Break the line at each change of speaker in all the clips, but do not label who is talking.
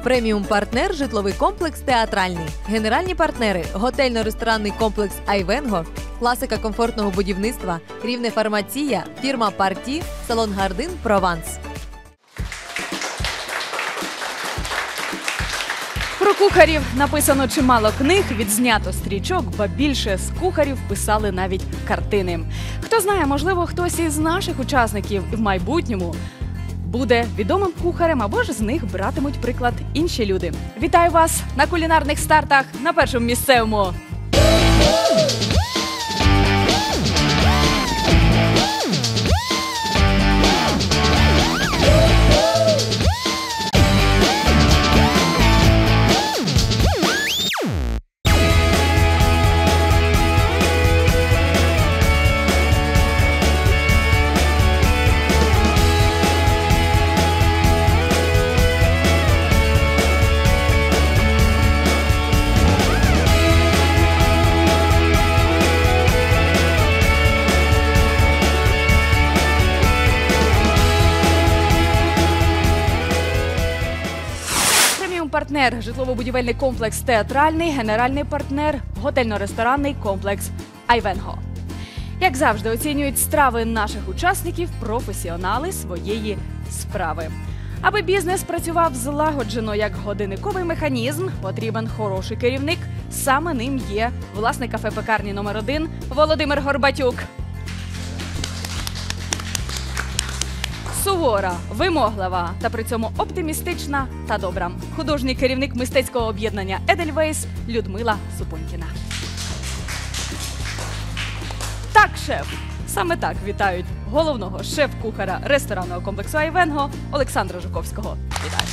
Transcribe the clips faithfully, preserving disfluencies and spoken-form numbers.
Преміум-партнер – житловий комплекс «Театральний». Генеральні партнери – готельно-ресторанний комплекс «Айвенго», класика комфортного будівництва, Рівне Фармація, фірма «Парті», салон «Гардин Прованс».
Про кухарів написано чимало книг, відзнято стрічок, ба більше з кухарів писали навіть картини. Хто знає, можливо, хтось із наших учасників в майбутньому буде відомим кухарем, або ж з них братимуть приклад інші люди. Вітаю вас на кулінарних стартах на Першому місцевому. Партнер – житлово-будівельний комплекс «Театральний», генеральний партнер – готельно-ресторанний комплекс «Айвенго». Як завжди, оцінюють страви наших учасників професіонали своєї справи. Аби бізнес працював злагоджено як годинниковий механізм, потрібен хороший керівник. Саме ним є власник кафе-пекарні номер один Володимир Горбатюк. Сувора, вимоглива та при цьому оптимістична та добра. Художній керівник мистецького об'єднання «Едельвейс» Людмила Супонькіна. Так, шеф. Саме так вітають головного шеф-кухара ресторанного комплексу «Айвенго» Олександра Жуковського. Вітаю.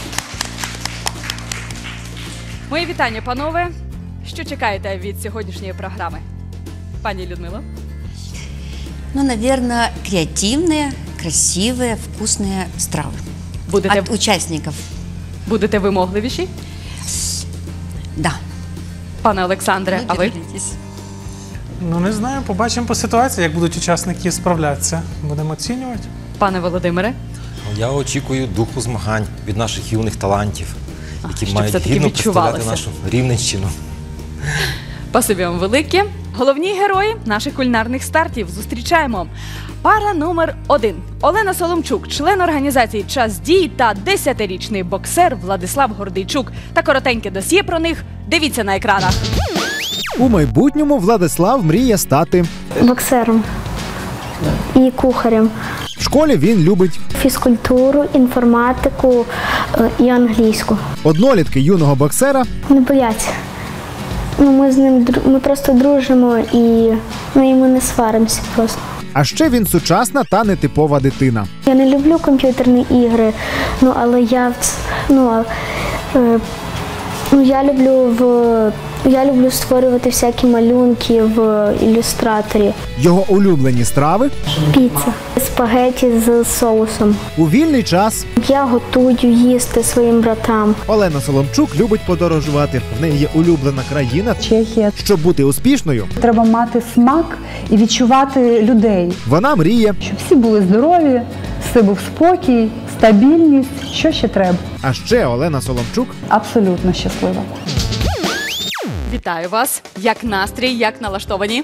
Мої вітання, панове. Що чекаєте від сьогоднішньої програми? Пані Людмило?
Ну, наверное, креативные, красивые, вкусные стравы.
Будете...
От участников.
Будете вимогливіші?
Да.
Пане Олександре, а ви?
Ну, не знаю, побачимо по ситуації, як будуть учасники справлятися. Будемо оцінювати.
Пане Володимире?
Я очікую духу змагань від наших юних талантів,
А,
які
щоб
мають
все-таки
гідно представляти
відчувалося.
нашу Рівненщину.
Спасибі вам велике. Головні герої наших кулінарних стартів зустрічаємо. Пара номер один. Олена Соломчук, член організації «Час дій» та десятирічний боксер Владислав Гордійчук. Та коротеньке досьє про них дивіться на екранах.
У майбутньому Владислав мріє стати
боксером і кухарем.
В школі він любить
Фізкультуру, інформатику і англійську.
Однолітки юного боксера
Не бояться. Ну, ми з ним ми просто дружимо і ми йому не сваримося просто.
А ще він сучасна та нетипова дитина.
Я не люблю комп'ютерні ігри, ну але я ну, е, ну я люблю в я люблю створювати всякі малюнки в ілюстраторі.
Його улюблені страви
Піца, спагеті з соусом.
у вільний час.
Я готую їсти своїм братам.
Олена Соломчук любить подорожувати. В неї є улюблена країна.
Чехія.
Щоб бути успішною,
Треба мати смак і відчувати людей.
вона мріє.
Щоб всі були здорові, все був спокій, стабільність. Що ще треба?
А ще Олена Соломчук
Абсолютно щаслива.
Вітаю вас. Як настрій, як налаштовані?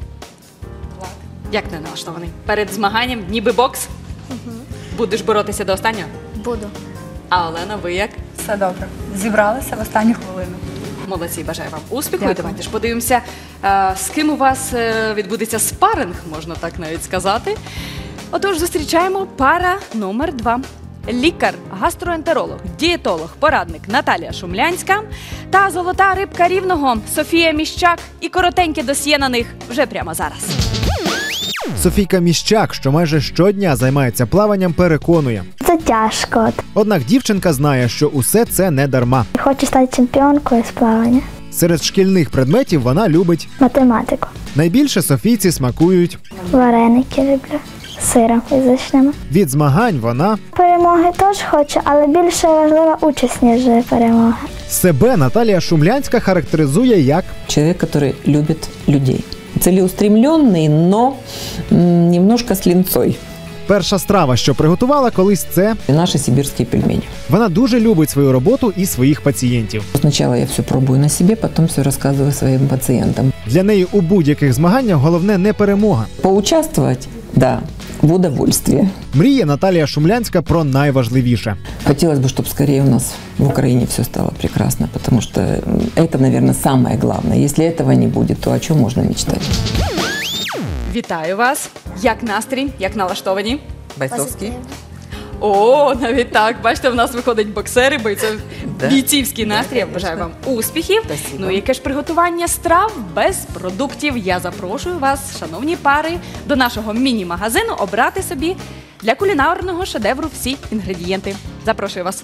Як не налаштований? Перед змаганням ніби бокс? Угу. Будеш боротися до останнього?
Буду.
А Олена, ви як?
Все добре. Зібралися в останню хвилину.
Молодці, бажаю вам успіху.
Дякую.
І давайте ж подивимося, е, з ким у вас е, відбудеться спаринг, можна так навіть сказати. Отож, зустрічаємо пара номер два. Лікар, гастроентеролог, дієтолог, порадник Наталія Шумлянська та золота рибка Рівного Софія Міщак. І коротеньке досьє на них вже прямо зараз.
Софійка Міщак, що майже щодня займається плаванням, переконує.
Це тяжко.
Однак дівчинка знає, що усе це не дарма.
Хочу стати чемпіонкою з плавання.
Серед шкільних предметів вона любить.
Математику.
Найбільше Софійці смакують.
Вареники люблю. Сиром фізичними.
Від змагань вона
Перемоги теж хочу, але більше важлива участь, ніж перемога.
себе Наталія Шумлянська характеризує як
человек, который любит людей. Целеустремленный, но м, немножко с линцой.
перша страва, що приготувала колись, це
наши сибирские пельмени.
Вона дуже любить свою роботу і своїх пацієнтів.
Сначала я все пробую на себе, потом все рассказываю своим пациентам.
Для неї у будь-яких змаганнях головне не перемога.
Поучаствовать? Да, в удовольствие.
Мріє Наталія Шумлянська про найважливіше.
Хотелось бы, чтобы скорее у нас в Украине все стало прекрасно, потому что это, наверное, самое главное. Если этого не будет, то о чем можно мечтать?
Вітаю вас! Як настрій? Як налаштовані?
Бойцовский.
О, навіть так. Бачите, в нас виходять боксери, бойцов...
Да.
бійцівський
Да,
настрій. Я
конечно.
бажаю вам успіхів.
Спасибо.
Ну і яке ж приготування страв без продуктів. Я запрошую вас, шановні пари, до нашого міні-магазину обрати собі для кулінарного шедевру всі інгредієнти. Запрошую вас.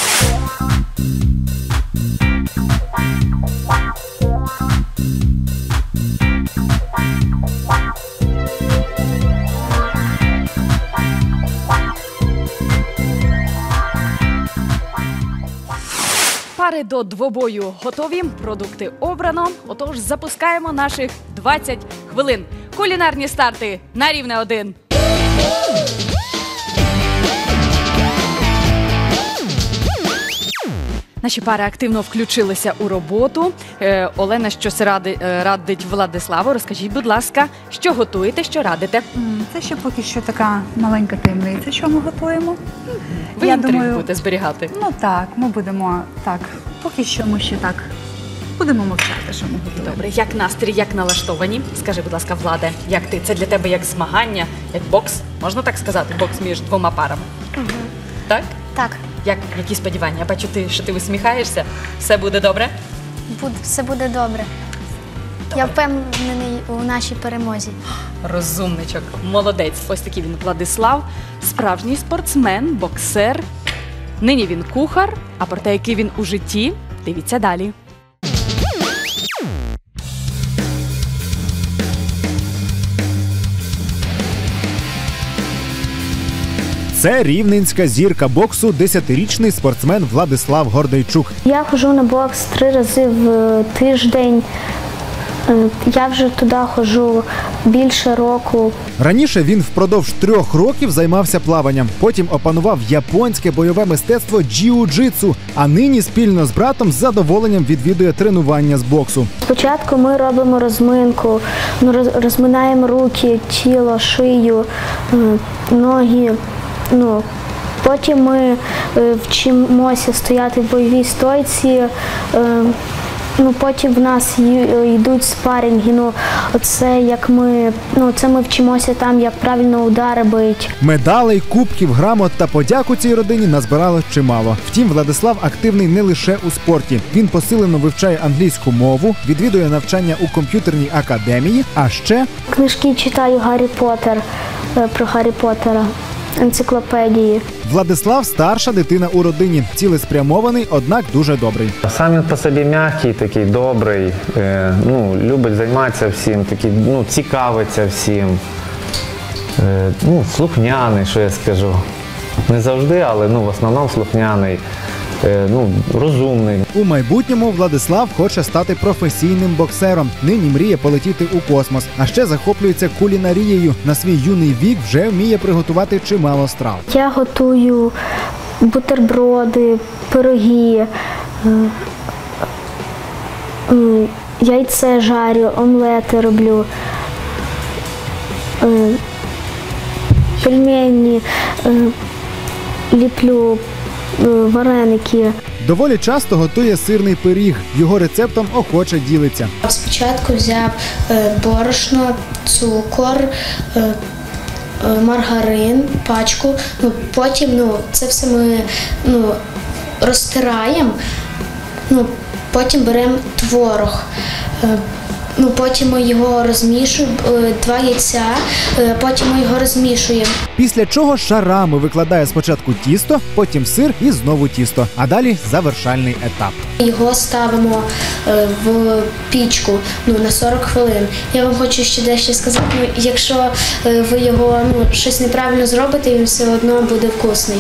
Пари до двобою готові, продукти обрано. Отож, запускаємо наших двадцять хвилин. Кулінарні старти на рівне один. Наші пари активно включилися у роботу. Е, Олена щось ради, е, радить Владиславу. Розкажіть, будь ласка, що готуєте, що радите?
М, Це ще поки що така маленька таємниця, що ми готуємо.
Ви
Я
інтригу
думаю,
будете зберігати.
Ну так, ми будемо так. Поки що ми ще так будемо мовчати, що ми готуємо.
Добре, як настрій, як налаштовані? Скажи, будь ласка, Владе, як ти? Це для тебе як змагання, як бокс? Можна так сказати? Бокс між двома парами?
Угу.
Так?
Так,
Як, які сподівання? Я бачу, ти, що ти усміхаєшся. Все буде добре?
буде, все буде добре. Я впевнений у нашій перемозі.
Розумничок, молодець. Ось такий він Владислав, справжній спортсмен, боксер. Нині він кухар, а про те, який він у житті, дивіться далі.
Це рівненська зірка боксу, десятирічний спортсмен Владислав Гордейчук.
Я ходжу на бокс три рази в тиждень. Е, Я вже туди ходжу більше року.
Раніше він впродовж трьох років займався плаванням, потім опанував японське бойове мистецтво джиу-джитсу, а нині спільно з братом з задоволенням відвідує тренування з боксу.
Спочатку ми робимо розминку, ну, роз- розминаємо руки, тіло, шию, е, ноги. Ну, потім ми е, вчимося стояти в бойовій стойці. е, Ну, потім в нас й- йдуть спарінги. Ну, оце як ми, ну, це ми вчимося там, як правильно удари бить.
Медалей, кубків, грамот та подяку цій родині назбирало чимало. Втім, Владислав активний не лише у спорті. Він посилено вивчає англійську мову, відвідує навчання у комп'ютерній академії, а ще
Книжки читаю Гаррі Поттер, е, про Гаррі Поттера, енциклопедії.
Владислав – старша дитина у родині, цілеспрямований, однак дуже добрий.
Сам він по собі м'який, такий добрий, е, ну, любить займатися всім, такий, ну, цікавиться всім, е, ну, слухняний, що я скажу. Не завжди, але ну, в основному слухняний, е, ну, розумний.
У майбутньому Владислав хоче стати професійним боксером. Нині мріє полетіти у космос, а ще захоплюється кулінарією. На свій юний вік вже вміє приготувати чимало страв.
Я готую бутерброди, пироги, е, е, яйце жарю, омлети роблю, е, пельмені, е, ліплю, е, вареники.
Доволі часто готує сирний пиріг. Його рецептом охоче ділиться.
Спочатку взяв е, борошно, цукор, е, е, маргарин, пачку. Ну, потім ну, це все ми ну, розтираємо, ну, потім беремо творог. Е, Ну, потім ми його розмішуємо, е, два яйця, е, потім ми його розмішуємо.
Після чого шарами викладає спочатку тісто, потім сир і знову тісто. А далі завершальний етап.
Його ставимо е, в пічку ну, на сорок хвилин. Я вам хочу ще дещо сказати, ну, якщо е, ви його ну, щось неправильно зробите, він все одно буде вкусний.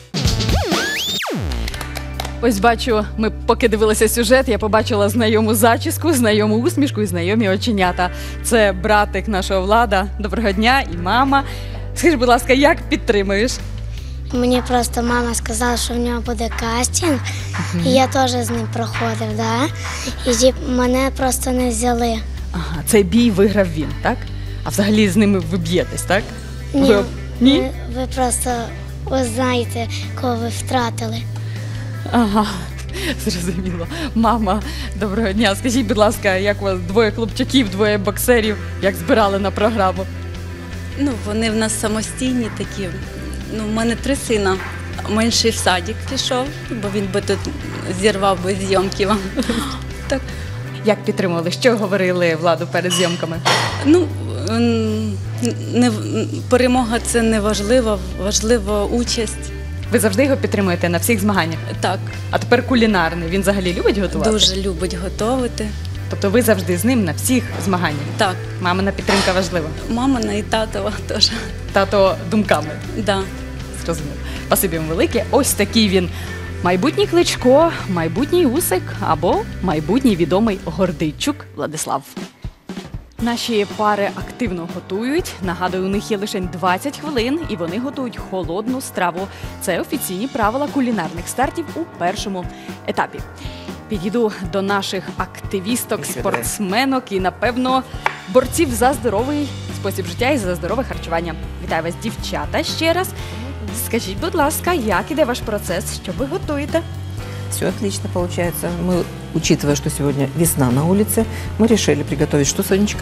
Ось бачу, ми поки дивилися сюжет, я побачила знайому зачіску, знайому усмішку і знайомі оченята. Це братик нашого Влада. Доброго дня і мама. Скажи, будь ласка, як підтримуєш?
Мені просто мама сказала, що в нього буде кастинг, і я теж з ним проходив, да? І тіп, мене просто не взяли.
Ага, цей бій виграв він, так? А взагалі з ними ви б'єтесь, так?
Ні,
Ви, Ні?
Ви, ви просто ви знаєте, кого ви втратили.
Ага, зрозуміло. Мама, доброго дня. Скажіть, будь ласка, як у вас двоє хлопчаків, двоє боксерів, як збирали на програму?
Ну, вони в нас самостійні такі. Ну, в мене три сина. Менший в садик пішов, бо він би тут зірвав би зйомки вам. Так.
Як підтримували? Що говорили Владу перед зйомками?
Ну, не, перемога – це не важливо, важлива участь.
Ви завжди його підтримуєте на всіх змаганнях?
Так.
А тепер кулінарний. Він взагалі любить готувати?
Дуже любить готувати.
Тобто ви завжди з ним на всіх змаганнях?
Так.
Мамина підтримка важлива?
Мамина і татова теж.
Тато думками?
Так. Да.
Зрозуміло. Спасибі вам велике. Ось такий він. Майбутній Кличко, майбутній Усик або майбутній відомий Гордийчук Владислав. Наші пари активно готують. Нагадую, у них є лише двадцять хвилин, і вони готують холодну страву. Це офіційні правила кулінарних стартів у першому етапі. Підійду до наших активісток, спортсменок і, напевно, борців за здоровий спосіб життя і за здорове харчування. Вітаю вас, дівчата, ще раз. Скажіть, будь ласка, як іде ваш процес, що ви готуєте?
Все отлично получается. Мы, учитывая, что сегодня весна на улице, мы решили приготовить что, Сонечка?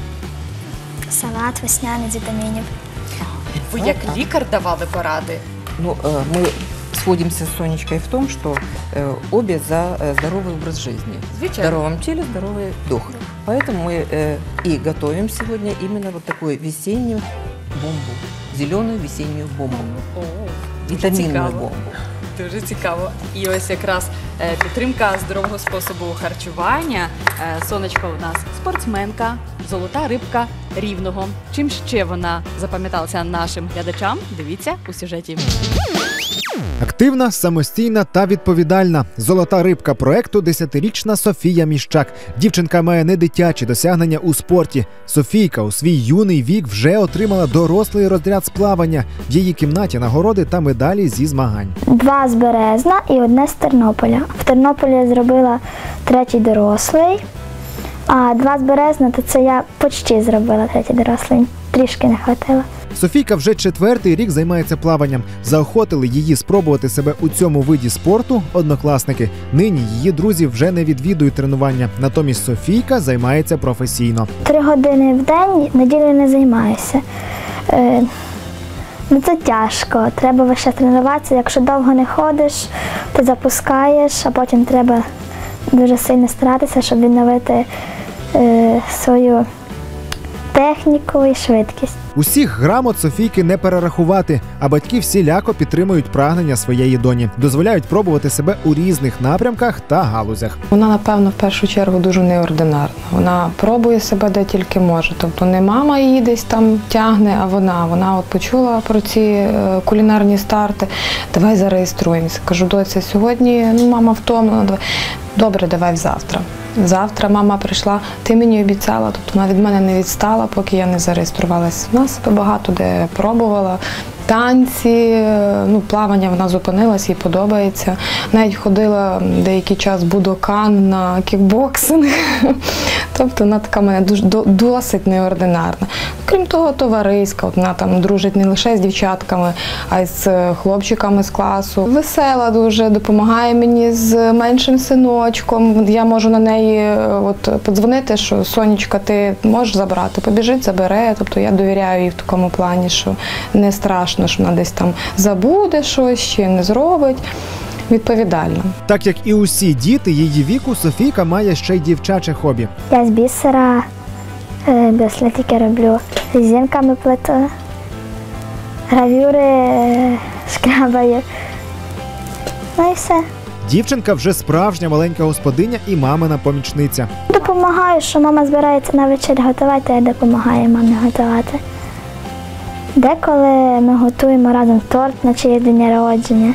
Салат весняний з вітамінів.
Ви як лікар давали поради?
Ну, мы сходимся с Сонечкой в том, что обе за здоровый образ жизни. В здоровом теле здоровый дух. Поэтому мы и готовим сегодня именно вот такую весеннюю бомбу. Зеленую весеннюю бомбу.
О,
вітамінну бомбу.
Дуже цікаво. І ось якраз підтримка здорового способу харчування. Сонечко у нас спортсменка, золота рибка Рівного. Чим ще вона запам'яталася нашим глядачам? Дивіться у сюжеті.
Активна, самостійна та відповідальна. Золота рибка проекту – десятирічна Софія Міщак. Дівчинка має не дитячі досягнення у спорті. Софійка у свій юний вік вже отримала дорослий розряд з плавання. В її кімнаті нагороди та медалі зі змагань.
Два з Березна і одне з Тернополя. В Тернополі я зробила третій дорослий, а два з Березна, то це я почти зробила третій дорослий. Трішки не хватило.
Софійка вже четвертий рік займається плаванням. Заохотили її спробувати себе у цьому виді спорту однокласники. Нині її друзі вже не відвідують тренування. Натомість Софійка займається професійно.
Три години в день, неділю не займаюся. Е, ну це тяжко. Треба весь час тренуватися. Якщо довго не ходиш, ти запускаєш, а потім треба дуже сильно старатися, щоб відновити е, свою техніку і швидкість.
Усіх грамот Софійки не перерахувати, а батьки всіляко підтримують прагнення своєї доні. Дозволяють пробувати себе у різних напрямках та галузях.
Вона, напевно, в першу чергу дуже неординарна. Вона пробує себе де тільки може. Тобто не мама її десь там тягне, а вона. Вона от почула про ці кулінарні старти. Давай зареєструємося. Кажу, доця, сьогодні ну, мама втомлена. Давай. Добре, давай завтра. Завтра мама прийшла, ти мені обіцяла, тобто вона від мене не відстала, поки я не зареєструвалася. Вона себе багато де пробувала. Танці, ну, плавання вона зупинилась, їй подобається. Навіть ходила деякий час будокан на кікбоксинг. Тобто вона така мене дуже, досить неординарна. Крім того, товариська. От вона там дружить не лише з дівчатками, а й з хлопчиками з класу. Весела дуже, допомагає мені з меншим синочком. Я можу на неї от, подзвонити, що Сонечка, ти можеш забрати? Побіжить, забере. Тобто я довіряю їй в такому плані, що не страшно, що вона десь там забуде щось, чи не зробить. Відповідально.
Так як і усі діти її віку, Софійка має ще й дівчаче хобі.
Я з бісера браслетики роблю, резинками плету, гравюри шкрабаю. Ну і все.
Дівчинка вже справжня маленька господиня і мамина помічниця.
Допомагаю, що мама збирається на вечерю готувати, а я допомагаю мамі готувати. Деколи ми готуємо разом торт на чиє день народження.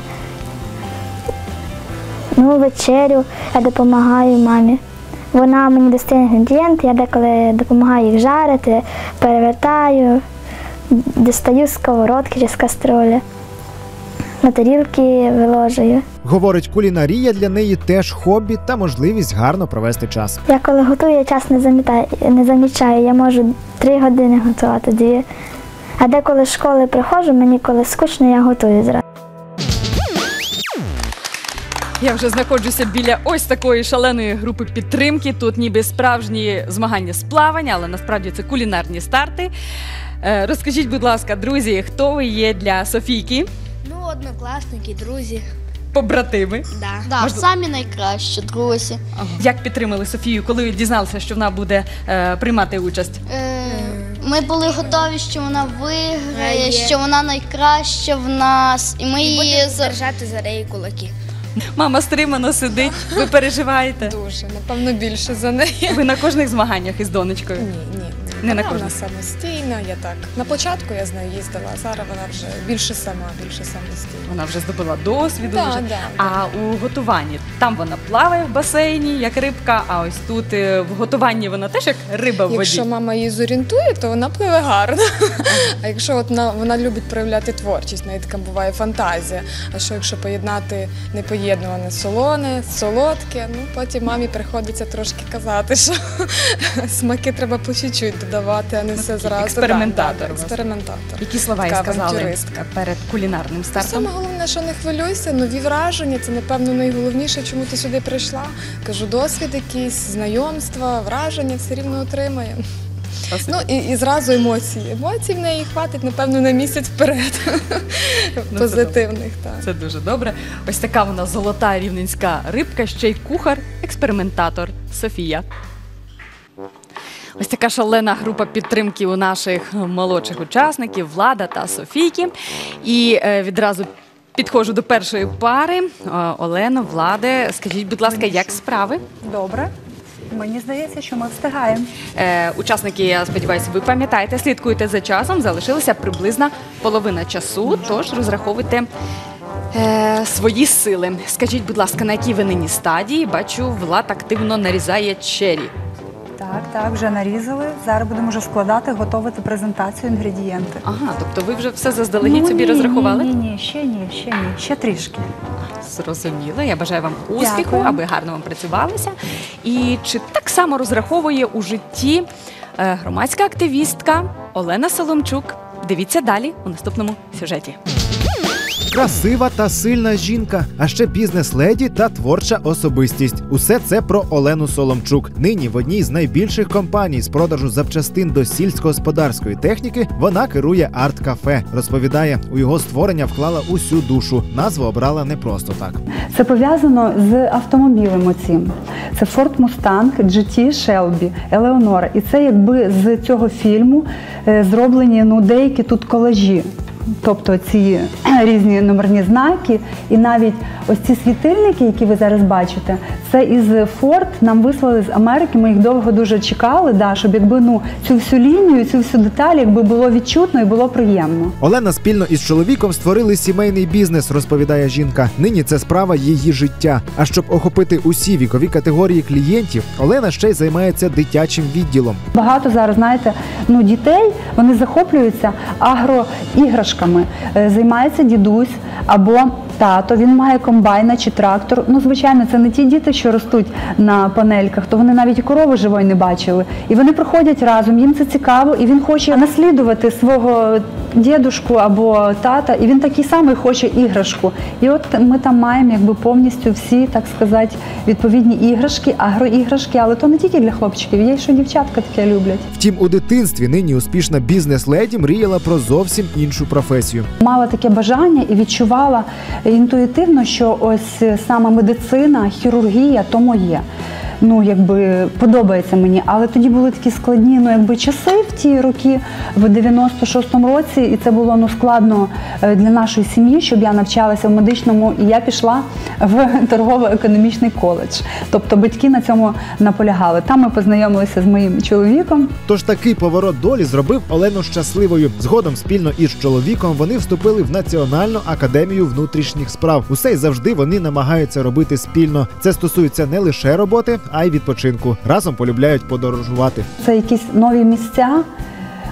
Ну, вечерю я допомагаю мамі. Вона мені достає інгредієнти, я деколи допомагаю їх жарити, перевертаю. дістаю з сковородки чи з каструлі. На тарілки виложую.
Говорить, кулінарія для неї теж хобі та можливість гарно провести час.
Я коли готую, я час не замітаю, не замічаю. Я можу три години готувати, дві. А деколи з школи приходжу, мені коли скучно, я готую зразу.
Я вже знаходжуся біля ось такої шаленої групи підтримки. Тут ніби справжні змагання з плавання, але насправді це кулінарні старти. Е, розкажіть, будь ласка, друзі, хто ви є для Софійки?
Ну, однокласники, друзі.
Побратими?
Да. Да,
Можливо.
самі найкращі, друзі.
Ага. Як підтримали Софію, коли дізналися, що вона буде е, приймати участь?
Е, ми були готові, що вона виграє, що вона найкраща в нас. І ми її держати за неї кулаки.
Мама стримано сидить, ви переживаєте?
Дуже, напевно, більше за неї.
Ви на кожних змаганнях із донечкою?
Ні, ні.
Не на
вона
кожних?
самостійна, я так. На початку я з нею їздила, а зараз вона вже більше сама, більше самостійна.
Вона вже здобула досвіду.
Да,
вже.
да,
а у готуванні, там вона плаває в басейні, як рибка, а ось тут е, в готуванні вона теж як риба в воді.
Якщо мама її зорієнтує, то вона пливе гарно. А якщо от вона, вона любить проявляти творчість, в неї така буває фантазія. А що якщо поєднати непоєднуване солоне, солодке, ну потім мамі приходиться трошки казати, що смаки треба по чуть-чуть додавати, а не все зразу.
Експериментатор.
Да, да, експериментатор.
Які слова їй
Така
сказали
авантюристка.
перед кулінарним стартом?
Саме головне, що не хвилюйся, нові враження, це, напевно, найголовніше, чому ти сюди прийшла. Кажу, досвід якийсь, знайомства, враження все рівно отримає. Ну і, і зразу емоції. Емоцій в неї хватить, напевно, на місяць вперед.
Ну,
позитивних.
Це,
так.
це дуже добре. Ось така вона золота рівненська рибка, ще й кухар, експериментатор Софія. Ось така шалена група підтримки у наших молодших учасників Влада та Софійки. І е, відразу підходжу до першої пари. Е, Олено, Владе, скажіть, будь ласка, як справи?
Добре. Мені здається, що ми встигаємо.
Е, учасники, я сподіваюся, ви пам'ятаєте, слідкуєте за часом. Залишилася приблизно половина часу, тож розраховуйте е, свої сили. Скажіть, будь ласка, на якій ви нині стадії? Бачу, Влад активно нарізає чері.
Так, так, вже нарізали. Зараз будемо вже складати, готувати презентацію, інгредієнти.
Ага, тобто ви вже все заздалегідь
ну,
собі
ні,
розрахували?
Ні, ні, ні, ще ні, ще ні, ще трішки.
Зрозуміло. Я бажаю вам успіху,
Дякую.
аби гарно вам працювалося. І чи так само розраховує у житті е, громадська активістка Олена Соломчук? Дивіться далі у наступному сюжеті.
Красива та сильна жінка, а ще бізнес-леді та творча особистість. Усе це про Олену Соломчук. Нині в одній з найбільших компаній з продажу запчастин до сільськогосподарської техніки вона керує арт-кафе. Розповідає, у його створення вклала усю душу. Назву обрала не просто так.
Це пов'язано з автомобілем оцім. Це Ford Mustang джі ті Shelby Eleonora. І це якби з цього фільму е, зроблені ну, деякі тут колажі. Тобто ці різні номерні знаки і навіть ось ці світильники, які ви зараз бачите, це із Ford нам вислали з Америки, ми їх довго дуже чекали, да, щоб якби ну, цю всю лінію, цю всю деталь якби було відчутно і було приємно.
Олена спільно із чоловіком створили сімейний бізнес, розповідає жінка. Нині це справа її життя. А щоб охопити усі вікові категорії клієнтів, Олена ще й займається дитячим відділом.
Багато зараз, знаєте, ну, дітей, вони захоплюються агроіграшками. Займається дідусь або тато, він має комбайна чи трактор. Ну, звичайно, це не ті діти, що ростуть на панельках, то вони навіть і корови живої не бачили. І вони приходять разом, їм це цікаво, і він хоче наслідувати свого дідушку або тата, і він такий самий хоче іграшку. І от ми там маємо якби повністю всі, так сказати, відповідні іграшки, агроіграшки, але то не тільки для хлопчиків, є й що дівчатка таке люблять.
Втім, у дитинстві нині успішна бізнес-леді мріяла про зовсім іншу професію.
Мала таке бажання і відчувала інтуїтивно, що ось саме медицина, хірургія – то моє. Ну, якби подобається мені, але тоді були такі складні, ну, якби часи в ті роки, в дев'яносто шостому році, і це було ну складно для нашої сім'ї, щоб я навчалася в медичному, і я пішла в торгово-економічний коледж. Тобто батьки на цьому наполягали. Там ми познайомилися з моїм чоловіком.
Тож такий поворот долі зробив Олену щасливою. Згодом спільно із чоловіком вони вступили в Національну академію внутрішніх справ. Усе й завжди вони намагаються робити спільно. Це стосується не лише роботи, а й відпочинку. Разом полюбляють подорожувати.
Це якісь нові місця,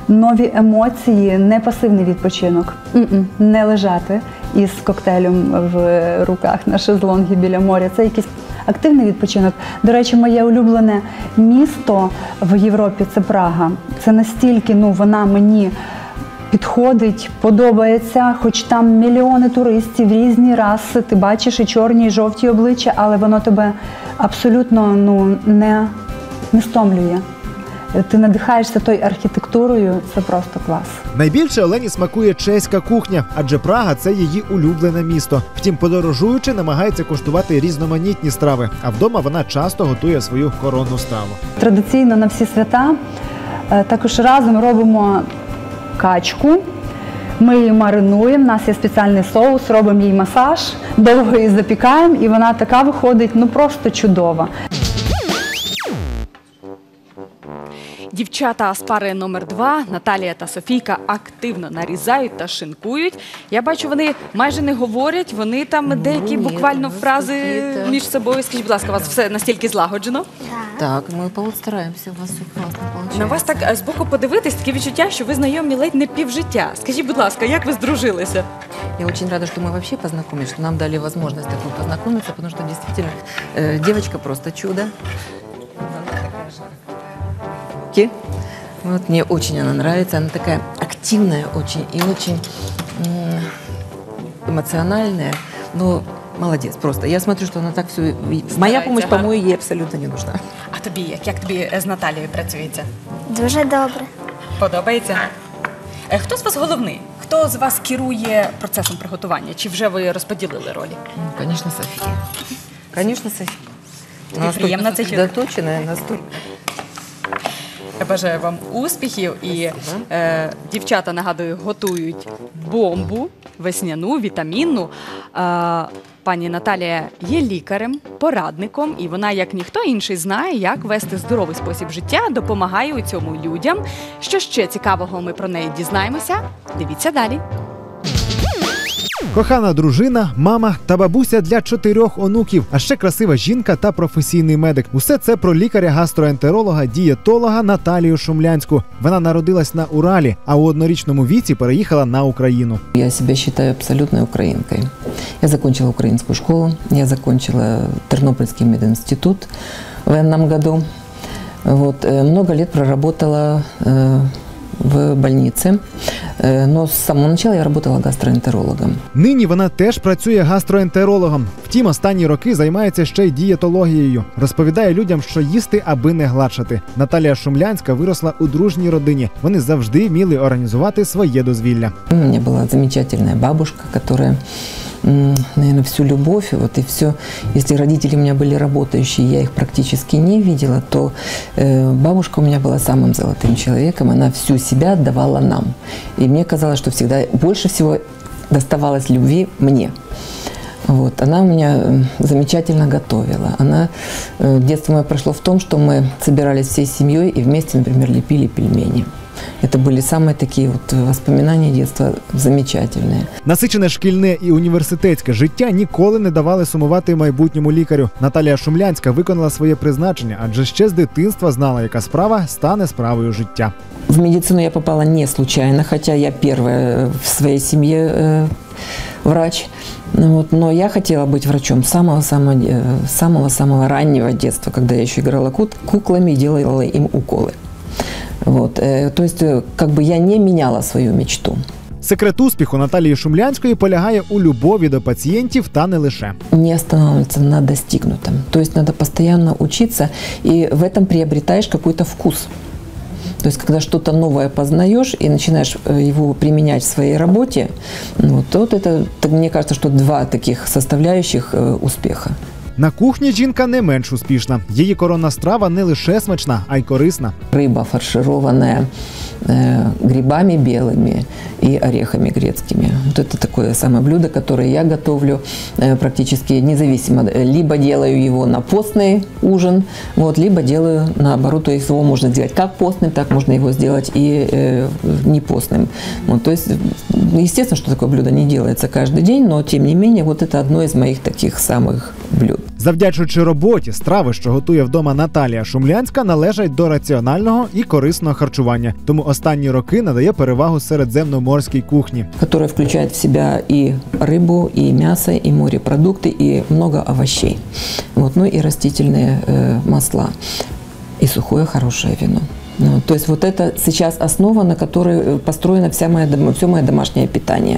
нові емоції, не пасивний відпочинок. М-м, не лежати із коктейлем в руках на шезлонгі біля моря. Це якийсь активний відпочинок. До речі, моє улюблене місто в Європі – це Прага. Це настільки, ну, вона мені підходить, подобається, хоч там мільйони туристів, різні раси, ти бачиш і чорні, і жовті обличчя, але воно тебе абсолютно, ну, не, не стомлює. Ти надихаєшся тою архітектурою, це просто клас.
Найбільше Олені смакує чеська кухня, адже Прага – це її улюблене місто. Втім, подорожуючи, намагається куштувати різноманітні страви, а вдома вона часто готує свою коронну страву.
Традиційно на всі свята також разом робимо качку. Ми її маринуємо, у нас є спеціальний соус, робимо їй масаж, довго її запікаємо, і вона така виходить, ну, просто чудова.
Дівчата з пари номер два, Наталія та Софійка, активно нарізають та шинкують. Я бачу, вони майже не говорять, вони там ну, деякі ні, буквально фрази між собою. Скажіть, будь ласка, у вас все настільки злагоджено?
Так, ми постараємося, у вас все класно виходить.
На вас так збоку подивитись, таке відчуття, що ви знайомі ледь не півжиття. Скажіть, будь ласка, як ви здружилися?
Я очень рада, что мы вообще познакомились, что нам дали возможность такой познакомиться, потому что действительно э, девочка просто чудо. Вот, мне очень она нравится, она такая активная очень и очень эмоциональная, но молодец просто. Я смотрю, что она так все... Моя помощь, по-моему, ей абсолютно не нужна.
А тобі як? Як тобі з Наталією працюється?
Дуже добре.
Подобається? Хто з вас головний? Хто з вас керує процесом приготування? Чи вже ви розподілили ролі?
Ну, конечно, Софія. Конечно, Софія.
Тобі приємно це чути?
Доточена, настолько.
Я бажаю вам успіхів. І е, дівчата, нагадую, готують бомбу весняну, вітамінну. Е, пані Наталія є лікарем, порадником, і вона, як ніхто інший, знає, як вести здоровий спосіб життя, допомагає у цьому людям. Що ще цікавого ми про неї дізнаємося? Дивіться далі.
Кохана дружина, мама та бабуся для чотирьох онуків, а ще красива жінка та професійний медик. Усе це про лікаря-гастроентеролога, дієтолога Наталію Шумлянську. Вона народилась на Уралі, а у однорічному віці переїхала на Україну.
Я себе вважаю абсолютною українкою. Я закінчила українську школу, я закінчила Тернопільський медінститут в воєнному году. Вот, много лет проработала в больнице, но с самого начала я работала гастроентерологом.
Нині вона теж працює гастроентерологом. Втім, останні роки займається ще й дієтологією. Розповідає людям, що їсти, аби не гладшати. Наталія Шумлянська виросла у дружній родині. Вони завжди вміли організувати своє дозвілля.
У мене була замечательна бабушка, яка, наверное, всю любовь, вот и все. Если родители у меня были работающие, я их практически не видела, то э, бабушка у меня была самым золотым человеком, она всю себя отдавала нам. И мне казалось, что всегда больше всего доставалось любви мне. Вот. Она у меня замечательно готовила. Она, э, детство мое прошло в том, что мы собирались всей семьей и вместе, например, лепили пельмени. Это были самые такие вот воспоминания детства замечательные.
Насичене шкільне і університетське життя ніколи не давали сумувати майбутньому лікарю. Наталія Шумлянська виконала своє призначення, адже ще з дитинства знала, яка справа стане справою життя.
В медицину я попала не случайно, хотя я первая в своей семье э, врач. Вот, но я хотела быть врачом с самого-самого, самого-самого раннего детства, когда я еще играла куклами и делала им уколы. Вот, то есть, как бы я не меняла свою мечту.
Секрет успіху Наталії Шумлянської полягає у любові до пацієнтів та не лише.
Не останавливаться на достигнутом. То есть надо постоянно учиться, и в этом приобретаешь какой-то вкус. То есть когда что-то новое познаешь и начинаешь его применять в своей работе, вот, вот это, мне кажется, что два таких составляющих успеха.
На кухні жінка не менш успішна. Її коронна страва не лише смачна, а й корисна.
Риба фаршированная э, грибами белыми и орехами грецкими. Вот это такое самое блюдо, которое я готовлю э, практически независимо. Либо делаю его на постный ужин, вот, либо делаю наоборот. То есть его можно сделать как постным, так можно его сделать и э, не постным. Вот, то есть, естественно, что такое блюдо не делается каждый день, но тем не менее, вот это одно из моих таких самых блюд.
Завдячуючи роботі, страви, що готує вдома Наталія Шумлянська, належать до раціонального і корисного харчування. Тому останні роки надає перевагу середземноморській кухні.
Которая включает в себя и рыбу, и мясо, и морепродукты, и много овощей. Вот, ну и растительные э, масла, и сухое хорошее вино. Ну, то есть вот это сейчас основа, на которой построено вся моя, все мое домашнее питание.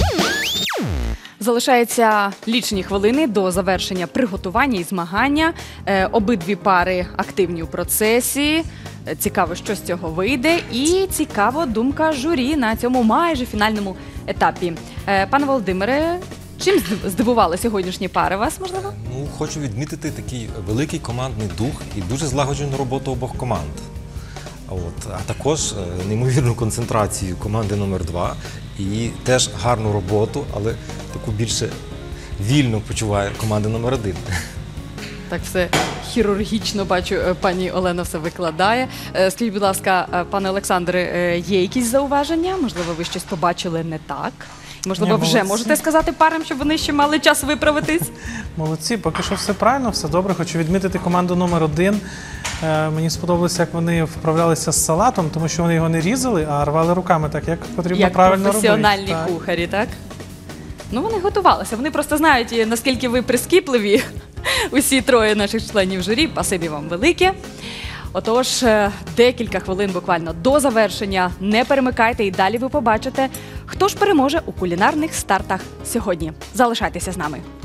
Залишається лічені хвилини до завершення приготування і змагання. Е, обидві пари активні у процесі. Е, Цікаво, що з цього вийде. І цікаво думка журі на цьому майже фінальному етапі. Е, Пане Володимире, чим здив- здивували сьогоднішні пари вас, можливо?
Ну, хочу відмітити такий великий командний дух і дуже злагоджену роботу обох команд. От, а також е, неймовірну концентрацію команди номер два і теж гарну роботу, але таку більше вільно почуває команда номер один.
Так все хірургічно, бачу, е, пані Олена все викладає. Е, Скажіть, будь ласка, е, пане Олександре, е, є якісь зауваження? Можливо, ви щось побачили не так? Можливо,
Ні,
вже
молодці.
можете сказати парам, щоб вони ще мали час виправитись?
Молодці, поки що все правильно, все добре. Хочу відмітити команду номер один. Е, мені сподобалося, як вони вправлялися з салатом, тому що вони його не різали, а рвали руками, так як потрібно
Як
правильно робити.
професіональні
Так.
кухарі, так? Ну, вони готувалися. Вони просто знають, і наскільки ви прискіпливі, усі троє наших членів журі. Спасибі вам велике. Отож, е, декілька хвилин буквально до завершення. Не перемикайте, і далі ви побачите, хто ж переможе у кулінарних стартах сьогодні. Залишайтеся з нами.